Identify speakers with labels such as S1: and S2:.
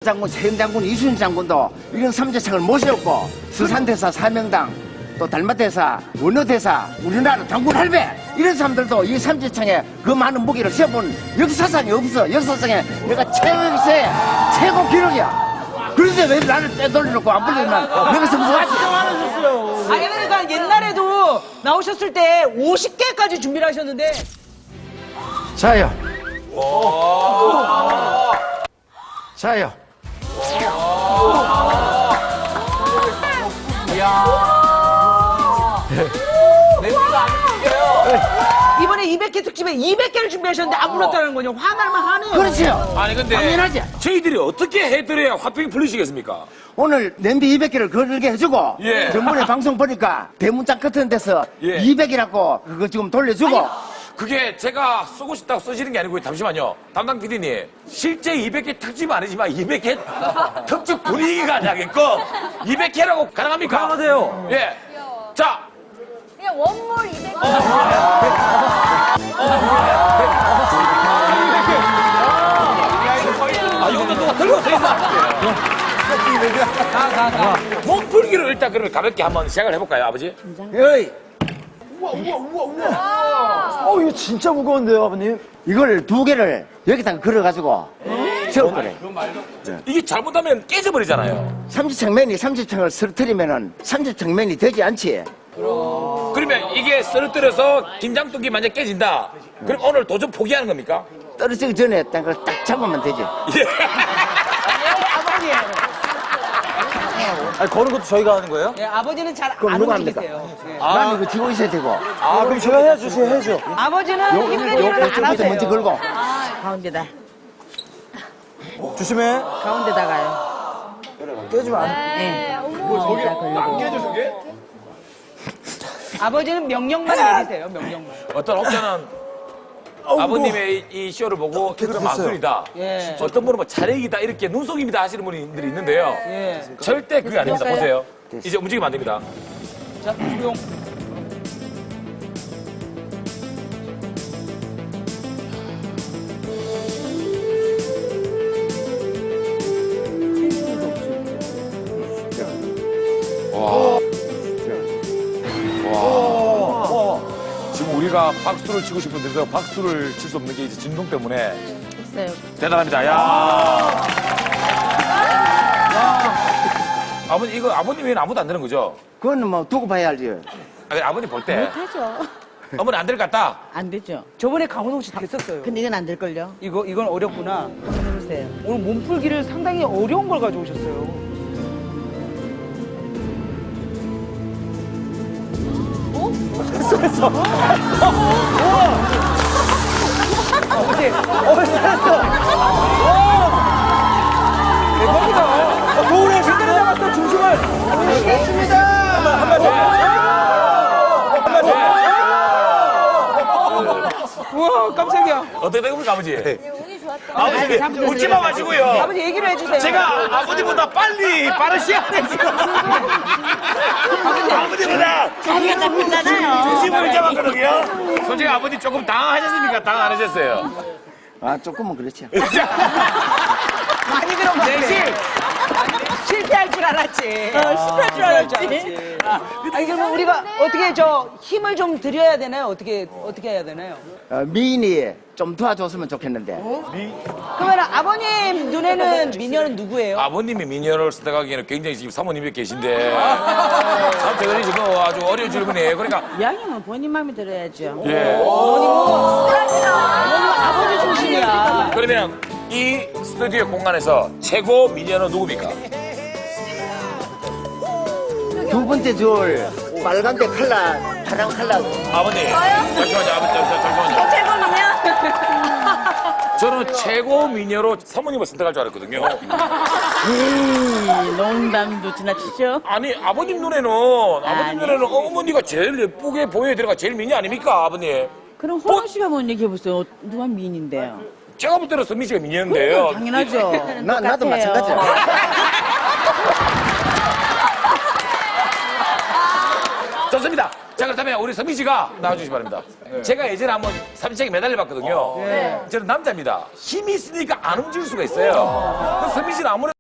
S1: 장군, 최영 장군, 이순신 장군도 이런 삼재창을 모셨고 서산대사, 사명당, 또 달마대사, 원어대사, 우리나라 장군 할배 이런 사람들도 이 삼재창에 그 많은 무기를 세워본 역사상에 없어. 역사상에 내가 최고 기록이야. 그래서 왜 나를 빼돌려놓고 안 불리면 내가 성공하지?
S2: 아니 그러니까 옛날에도 나오셨을 때 50개까지 준비를 하셨는데
S1: 자요. 자요.
S2: 이번에 200개 특집에 200개를 준비하셨는데 안 불렀다는 거냐 화날만 하네요.
S1: 그렇지요.
S3: 아니 근데
S1: 당연하지.
S3: 저희들이 어떻게 해드려야 화병이 풀리시겠습니까?
S1: 오늘 냄비 200개를 걸게 해주고
S3: 예.
S1: 전번에 방송 보니까 대문짝 같은 데서
S3: 예.
S1: 200이라고 그거 지금 돌려주고
S3: 그게 제가 쓰고 싶다고 쓰시는 게 아니고 잠시만요. 담당 PD님 실제 200개 특집 아니지만 200개 특집 분위기가 나게끔 200개라고 가능합니까?
S4: 가능하대요.
S3: 예. 자.
S5: 그냥 원몰 200.
S3: 아, 이것도 누가 들고 서 있어. 몸풀기로 일단 그러면 가볍게 한번 시작을 해볼까요, 아버지?
S1: 에이,
S4: 이거 진짜 무거운데요, 아버님?
S1: 이걸 2개를 여기다가 걸어가지고 세울 거래.
S3: 이게 잘못하면 깨져버리잖아요.
S1: 삼지창맨이 삼지창을 쓰러뜨리면은 삼지창맨이 되지 않지.
S3: 그러면 이게 쓰러뜨려서 김장뚝이 만약 깨진다. 그럼 오늘 도전 포기하는 겁니까?
S1: 떨어지기 전에 딱 그걸 딱 잡으면 되지.
S3: 예.
S2: 아버지.
S4: 아니, 거는 것도 저희가 하는 거예요?
S2: 예, 아버지는 잘
S1: 그럼
S2: 안
S1: 누가 합니까?
S2: 움직이세요. 예.
S1: 난 이거 지고 있어야 되고.
S4: 아, 그럼 제가 해야죠, 제가 해야죠.
S2: 아버지는 힘든 일을 안
S1: 요쪽부터
S2: 하세요.
S1: 먼저 걸고.
S6: 가운데다.
S4: 조심해.
S6: 가운데다가요.
S4: 깨지면 안 돼.
S6: 네.
S2: 아버지는 명령만 내리세요. 명령만.
S3: 어떤 혹자는 아버님의 이 쇼를 보고 이거는 마술이다.
S2: 예.
S3: 어떤 분은 뭐 차례이다 이렇게 눈속임이다 하시는 분들이 있는데요.
S2: 예.
S3: 절대 그게 아닙니다. 보세요. 이제 움직이면 안 됩니다.
S2: 자, 조용.
S3: 지금 우리가 박수를 치고 싶은데도 박수를 칠 수 없는 게 이제 진동 때문에
S6: 됐어요.
S3: 대단합니다. 야. 아버님 이거 아버님 외에는 아무도 안 되는 거죠?
S1: 그거는 뭐 두고 봐야 알지.
S3: 아니, 아버님 볼 때
S6: 못하죠.
S3: 어머니 안 될 것 같다.
S6: 안 되죠.
S2: 저번에 강호동 씨 됐었어요.
S6: 근데 이건 안 될걸요?
S2: 이건 어렵구나.
S6: 한번 해보세요.
S2: 오늘 몸풀기를 상당히 어려운 걸 가져오셨어요.
S4: 도훈이 제대로 잡았어, 중심을.
S2: 우와, 깜짝이야.
S3: 어떻게 된 겁니까 아버지?
S5: 운이 좋았다.
S3: 아버지 웃지 마 마시고요.
S2: 아버지 얘기를 해주세요.
S3: 제가 아버지보다 빠른 시간에 지금 아버지보다
S6: 자기가 잡혔잖아요.
S3: 중심을 잡았거든요. 솔직히 아버지 조금 당황하셨습니까? 당황 안 하셨어요?
S1: 아, 조금은 그렇지.
S2: 많이 그런 대신 실패할 줄 알았지. 실패할 줄 알았지. 아니 그러면 우리가 어떻게 저 힘을 좀 드려야 되나요? 어떻게 해야 되나요?
S1: 미인이 좀 도와줬으면 좋겠는데.
S2: 그러면 아버님 눈에는 미녀는 누구예요?
S3: 아버님이 미녀를 선택하기에는 굉장히 지금 사모님이 계신데 참 대단히 지금 아주 어려운 질문이에요. 그러니까
S6: 이왕이면 본인 마음에 들어야죠.
S3: 예.
S2: 아버지 중심이야.
S3: 그러면 이 스튜디오 공간에서 최고 미녀는 누굽니까?
S1: 두 번째 줄 빨간데 칼라, 파란 칼라.
S3: 아버님. 잠시만요. 아버지 잠시만요.
S5: 최고면
S3: 저는 최고 미녀로 사모님을 선택할 줄 알았거든요.
S6: 농담도 지나치죠?
S3: 아니 아버님 눈에는 어머니가 제일 예쁘게 보여야 되는 가 제일 미녀 아닙니까 아버님?
S6: 그럼 호랑 씨가 뭔 얘기해보세요. 누가 미인인데요?
S3: 제가 볼 때는 선미 씨가 미녀인데요.
S6: 당연하죠.
S1: 나도
S6: 똑같아요.
S1: 마찬가지야.
S3: 좋습니다. 자 그렇다면 우리 선미 씨가 나와주시기 바랍니다. 제가 예전에 한번 삼지창에 매달려봤거든요. 저는 남자입니다. 힘이 있으니까 안 움직일 수가 있어요. 선미 씨는 아무래도